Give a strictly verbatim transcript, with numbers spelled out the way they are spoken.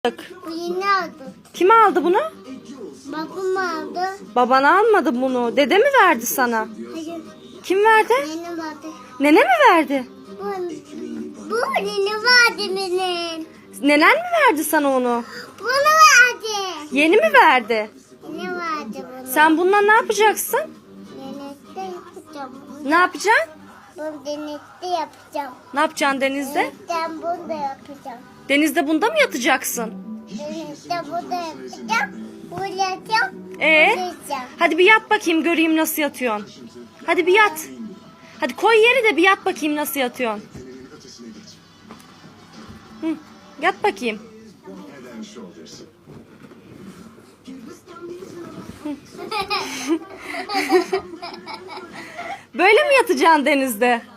Bu yeni aldı. Kim aldı bunu? Babam aldı. Baban almadı bunu. Dede mi verdi sana? Hayır. Kim verdi? Yeni vardı. Nene mi verdi? Bu, bu yeni vardı benim. Nenen mi verdi sana onu? Bunu verdi. Yeni mi verdi? Yeni vardı bunu. Sen bununla ne yapacaksın? Denizde yapacağım. Ne yapacaksın? Bunu denizde yapacağım. Ne yapacaksın denizde? Denizden bunu da yapacağım. Denizde bunda mı yatacaksın? Denizde bunu da yapacağım. Bunu yapacağım. Ee? Bunu yapacağım. Hadi bir yat bakayım göreyim nasıl yatıyorsun. Hadi bir yat. Hadi koy yeri de bir yat bakayım nasıl yatıyorsun. Hı, yat bakayım. Böyle mi yatacaksın denizde?